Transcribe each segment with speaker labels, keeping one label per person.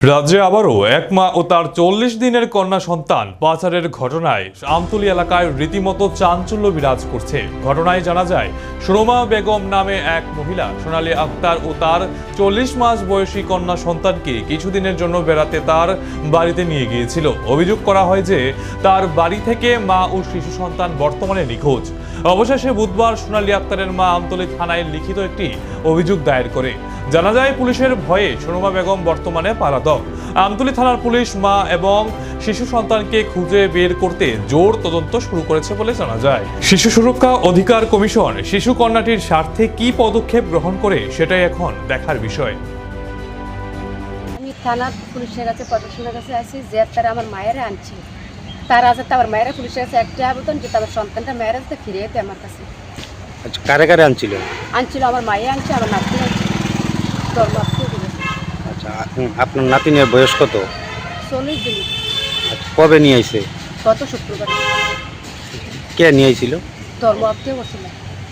Speaker 1: রাজ্যে আবারও এক মা ও তার ৪০ দিনের কন্যা সন্তান পাচারের ঘটনায় আমতলী এলাকায় রীতিমতো চাঞ্চল্য বিরাজ করছে। ঘটনায় জানা যায়, সুরমা বেগম নামে এক মহিলা সোনালী আক্তার ও তার ৪০ মাস বয়সী কন্যা সন্তানকে কিছুদিনের জন্য বেড়াতে তার বাড়িতে নিয়ে গিয়েছিল। অভিযোগ করা হয় যে তার বাড়ি থেকে মা ও শিশু সন্তান বর্তমানে নিখোঁজ। অবশেষে বুধবার সোনালী আক্তারের মা আমতলী থানায় লিখিত একটি অভিযোগ দায়ের করে। জানা যায়, পুলিশের ভয়ে সুরমা বেগম বর্তমানে পলাতক। আমতলী থানার পুলিশ মা এবং শিশু সন্তানকে খুঁজে বের করতে জোর তদন্ত শুরু করেছে বলে জানা যায়। শিশু সুরক্ষা অধিকার কমিশন শিশু কন্যাটির স্বার্থে কি পদক্ষেপ গ্রহণ করে সেটাই এখন দেখার বিষয়।
Speaker 2: আমি থানার পুলিশের কাছে প্রশাসনের কাছে আসি যে তারা আমার মায়েরা আনছিল, তারা আছে আমার মায়েরা পুলিশের কাছে একটা আবেদন যে আমার সন্তানটা মায়েরা যাতে ফিরে যেতে আমার কাছে।
Speaker 3: আচ্ছা, কারে কারে আনছিল?
Speaker 2: আমার মায়ে আনছে, আমার নাতি আনছে,
Speaker 3: আচ্ছা, আপনার নাতিনের বয়স কত?
Speaker 2: 40 দিন।
Speaker 3: আচ্ছা, কবে নিয়ে আইছে?
Speaker 2: গত শুক্রবার।
Speaker 3: কে নিয়ে আইছিল?
Speaker 2: ধর্ম আপনিও করছিল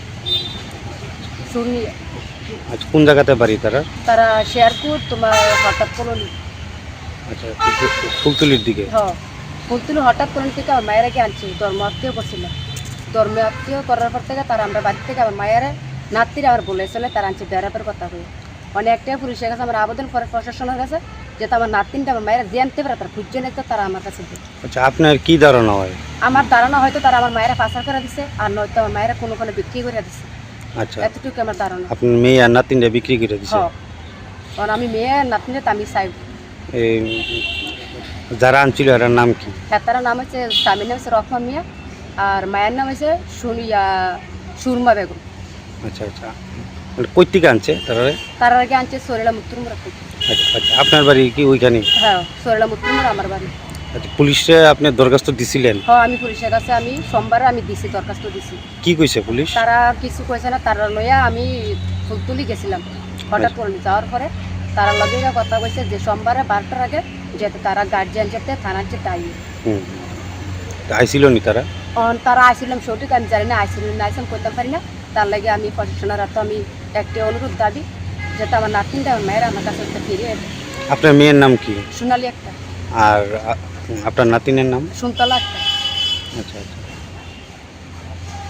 Speaker 2: শুনি।
Speaker 3: আচ্ছা, কোন জায়গাতে বাড়ি তারা?
Speaker 2: তারা শেয়ারপুর তোমার হঠাৎ কলোনি।
Speaker 3: আচ্ছা, ফুলতুলির দিকে।
Speaker 2: হ্যাঁ, ফুলতুলি হঠাৎ কলোনি থেকে আমার মায়েরাকে আনছে, ধর্ম আত্মীয় করছিল। ধর্ম আত্মীয় করার পর থেকে তারা আমরা বাড়ি থেকে আমার মায়েরা নাতিরা আমার বলেছিল তারা আনছে বেড়াপের কথা হয়ে অনেকটাই পুলিশের কাছে আমার আবেদন করে প্রশাসনের কাছে যেটা আমার নাতিনটা আমার মায়েরা জানতে পারে তারা খুঁজছে না, তো তারা আমার কাছে দেয়।
Speaker 3: আচ্ছা, আপনার কি ধারণা হয়?
Speaker 2: আমার ধারণা হয়তো তারা আমার মায়েরা পাচার করে দিছে, আর নয়তো আমার মায়েরা কোনো বিক্রি করে দিছে।
Speaker 3: আচ্ছা,
Speaker 2: এতটুকু আমার ধারণা।
Speaker 3: আপনার মেয়ে আর নাতিনটা বিক্রি করে দিছে?
Speaker 2: হ্যাঁ, কারণ আমি মেয়ে আর নাতিনটা আমি চাই।
Speaker 3: এই যারা আনছিল এর নাম কি?
Speaker 2: হ্যাঁ, তার নাম হচ্ছে স্বামীর নাম হচ্ছে রহমা মিয়া আর মায়ের নাম হচ্ছে সুরমা বেগম।
Speaker 3: আচ্ছা আচ্ছা, কই থেকে আনছে তারা?
Speaker 2: তার আগে আনছে সরেলা মুত্তুরমুড়া থেকে।
Speaker 3: আচ্ছা আচ্ছা, আপনার বাড়ি কি ওইখানে?
Speaker 2: হ্যাঁ, সরেলা মুত্তুরমুড়া আমার বাড়ি।
Speaker 3: আচ্ছা, পুলিশে আপনি দরখাস্ত দিছিলেন?
Speaker 2: হ্যাঁ, আমি পুলিশের কাছে আমি সোমবারে আমি দিছি, দরখাস্ত দিছি।
Speaker 3: কি কইছে পুলিশ?
Speaker 2: তারা কিছু কইছে না, তারা লইয়া আমি ফুলতুলি গেছিলাম হঠাৎ করে যাওয়ার পরে তারা লগে কথা কইছে যে সোমবারে 12টার আগে যেতে তারা গার্জিয়ান যেতে থানার যেতে আইয়ে।
Speaker 3: আইছিল নি তারা?
Speaker 2: তারা আইছিলাম সঠিক আমি জানি না, আইছিলাম না আইসাম করতে পারি না। তার লাগে আমি প্রশাসনের হাতে আমি একটি অনুরোধ দাবি যাতে আমার নাতিনটা আমার মায়ের আমার কাছে ফিরে।
Speaker 3: আপনার মেয়ের নাম কি?
Speaker 2: সোনালী একটা।
Speaker 3: আর আপনার নাতিনের নাম?
Speaker 2: সুনতলা একটা।
Speaker 3: আচ্ছা আচ্ছা,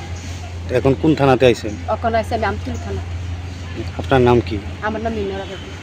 Speaker 3: এখন কোন থানাতে আইছেন?
Speaker 2: ওখানে আইসি আমি আমতলী থানা।
Speaker 3: আপনার নাম কি?
Speaker 2: আমার নাম মিনরা বেগম।